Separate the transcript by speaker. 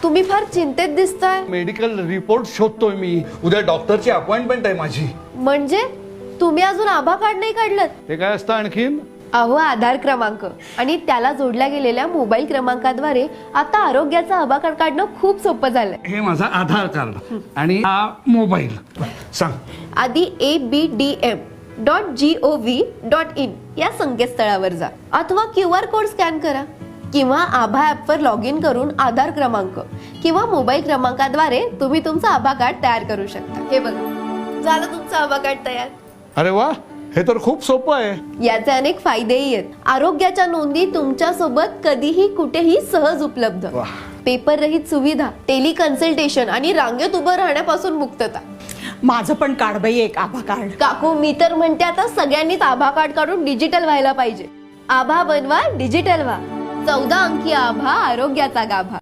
Speaker 1: तुम्ही फार चिंतेत दिसताय.
Speaker 2: मेडिकल रिपोर्ट शोधतोय मी. उद्या डॉक्टरची अपॉइंटमेंट आहे माझी.
Speaker 1: म्हणजे तुम्ही अजून आभा कार्ड नाही काढलं?
Speaker 2: ते काय असतं आणखीन?
Speaker 1: अहो, आधार क्रमांक आणि त्याला जोडल्या गेलेल्या मोबाईल क्रमांकाद्वारे आता आरोग्याचा आभा कार्ड काढणं खूप सोपं झालंय.
Speaker 2: हे माझा आधार कार्ड आणि हा मोबाईल. सांग.
Speaker 1: आधी abdm.gov.in या संकेतस्थळावर जा अथवा QR कोड स्कॅन करा किंवा आभा ऍप वर लॉग इन करून आधार क्रमांक किंवा मोबाईल क्रमांकाद्वारे तुम्ही तुमचं आभा कार्ड तयार करू शकता. हे बघा, झालं तुमचं आभा कार्ड तयार.
Speaker 2: अरे वा, हे तर खूप सोपं आहे.
Speaker 1: याचे अनेक फायदेही आहेत. आरोग्याच्या नोंदी तुमच्या सोबत कधीही कुठेही सहज उपलब्ध.
Speaker 2: वाह.
Speaker 1: पेपर रहित सुविधा, टेली कन्सल्टेशन आणि रांगेत उभं राहण्यापासून मुक्तता.
Speaker 3: माझं पण काढ बाई एक आभा कार्ड.
Speaker 1: काकू, मी तर म्हणते आता सगळ्यांनीच आभा कार्ड काढून डिजिटल व्हायला पाहिजे. आभा बनवा, डिजिटल व्हा. 14 अंकी आभा, आरोग्याचा गाभा.